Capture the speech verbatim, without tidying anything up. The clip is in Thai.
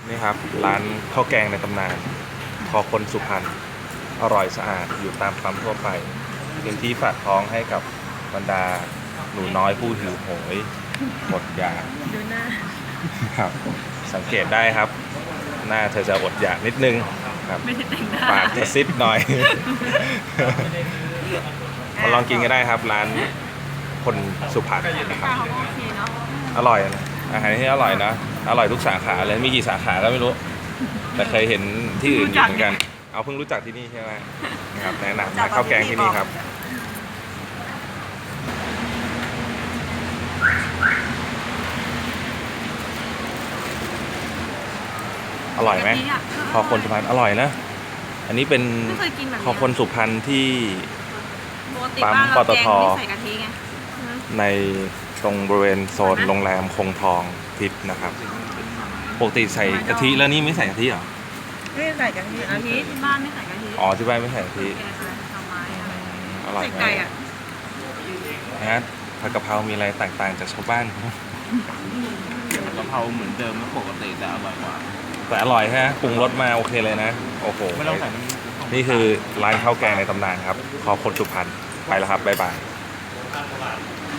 นี่ครับร้านข้าวแกงในตำนานคอคนสุพรรณอร่อยสะอาดอยู่ตามปั๊มทั่วไปเป็นที่ฝากท้องให้กับบรรดาหนูน้อยผู้หิวโหยหมดอยากดูหน้าครับสังเกตได้ครับ หน้าเธอจะอดอยากนิดนึงครับไม่ได้แต่งหน้าปากจะซิดหน่อย มาลองกินกันได้ครับร้านคนสุพรรณนะครับเขาก็โอเคเนาะอร่อยนะอาหารที่อร่อยนะอร่อยทุกสาขาเลยมีกี่สาขาก็ไม่รู้ แต่เคยเห็นที่อื่นอยู่เหมือนกัน เอาเพิ่งรู้จักที่นี่ใช่ไหมนะครับแนะนำมาข้าวแกงที่นี่ครับอร่อยไหมคอคนสุพรรณอร่อยนะอันนี้เป็นไม่เคยกินแบบคอคนสุพรรณที่ปกติปั๊มบ้านเราปตทแกงไม่ใส่กะทิไงในตรงบริเวณโซนโรงแรมคงทองทิพย์นะครับปกติใส่กะทิแล้วนี่ไม่ใส่กะทิเหรอไม่ใส่กะทิกะทิที่บ้านไม่ใส่กะทิอ๋อที่บ้านไม่ใส่กะทิแกงอะไรทำไมอะไรอร่อยใส่ไหมไก่อ่ะนะผัดกะเพรามีอะไรต่างๆจากชาวบ้านเขากะเพราเหมือนเดิมไม่ปกติแต่อร่อยกว่าแต่อร่อยฮะปรุงรสมาโอเคเลยนะโอ้โหไม่ต้องใส่น้ำนี่คือร้านข้าวแกงในตำนานครับคอคนสุพรรณไปแล้วครับบ๊ายบาย